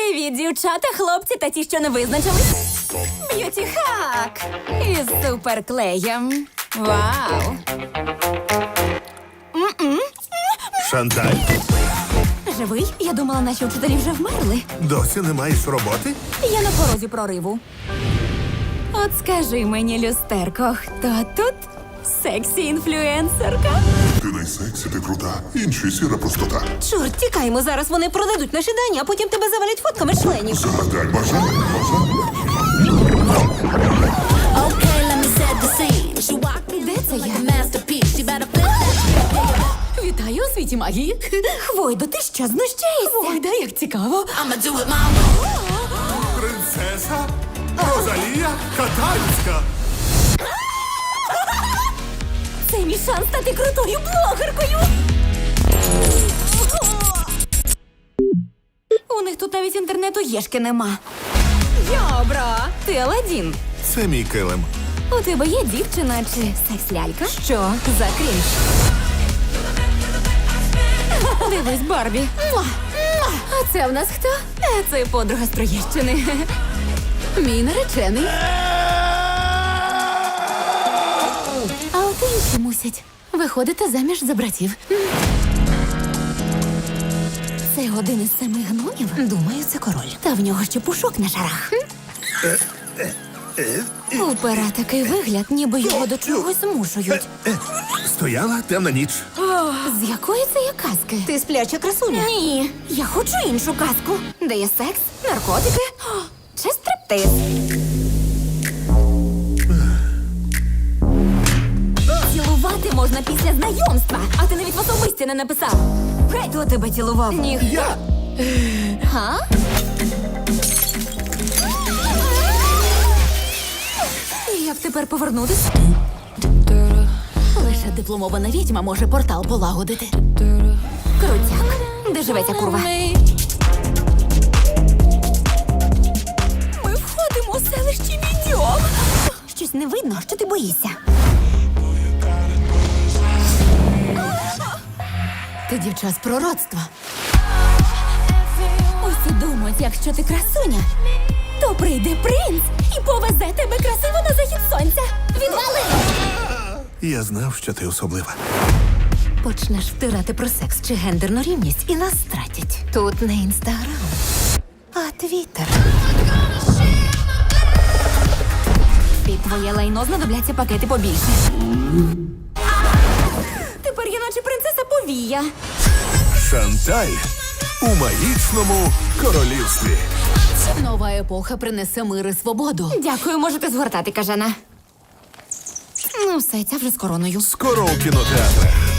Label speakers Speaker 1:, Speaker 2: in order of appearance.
Speaker 1: Привіт, дівчата, хлопці та ті, що не визначились. Б'юті-хак із суперклеєм. Вау!
Speaker 2: Шанталь,
Speaker 1: Живий? Я думала, наші вчителі вже вмерли.
Speaker 2: досі не маєш роботи?
Speaker 1: Я на порозі прориву. От скажи мені, люстерко, хто тут сексі-інфлюенсерка?
Speaker 3: Ти найсексі, ти крута. Інші сіра простота.
Speaker 1: Чорт, тікаймо, зараз вони продадуть наші дані, а потім тебе завалять фотками членів.
Speaker 3: Загадай бажання.
Speaker 4: Okay, let me set the scene. She walked in
Speaker 1: Де це я?
Speaker 4: like a masterpiece. She better flip that.
Speaker 1: Вітаю у світі магії. Хвойдо, ти що, знущаєшся? Хвойда, як цікаво.
Speaker 4: I'ma do it my way.
Speaker 2: Принцеса Розалія Катальська.
Speaker 1: Це мій шанс стати крутою блогеркою. У них тут навіть інтернету єшки нема. Йобро, ти Аладдін.
Speaker 2: Це мій килим.
Speaker 1: У тебе є дівчина чи секс-лялька? Що за крінж? Дивись, Барбі. Муа! Муа! А це в нас хто? Це подруга з Троєщини. Мій наречений. А от інші мусять виходити заміж за братів. Це один із 7 гномів? Думаю, це король. Та в нього ще пушок на шарах. У пера такий вигляд, ніби його до чогось змушують.
Speaker 2: Стояла темна ніч.
Speaker 1: З якої це є казки? Ти спляча красуня? Ні, я хочу іншу казку. Де є секс, наркотики чи стриптиз. Цілувати можна після знайомства, а ти навіть в особисті не написав. Хто тебе цілував? Ніхто.
Speaker 2: Я.
Speaker 1: Га? Як тепер повернутись? Лише дипломована відьма може портал полагодити. Крутяк. Де живе ця курва? Ми входимо у селище Відьом. Щось не видно, що ти боїшся. Ти дівча з пророцтва. Усі думають, якщо ти красуня, то прийде принц і повезе тебе красиво на захід сонця. Відвали!
Speaker 2: Я знав, що ти особлива.
Speaker 1: Почнеш втирати про секс чи гендерну рівність і нас стратять. Тут не інстаграм, а твіттер. Під твоє лайно знадобляться пакети побільше. Тепер я наче принцеса повія.
Speaker 2: Шанталь у магічному королівстві.
Speaker 1: Нова епоха принесе мир і свободу. Дякую, можете згортати, кажана. Ну, все, ця вже з короною.
Speaker 2: Скоро у кінотеатрах.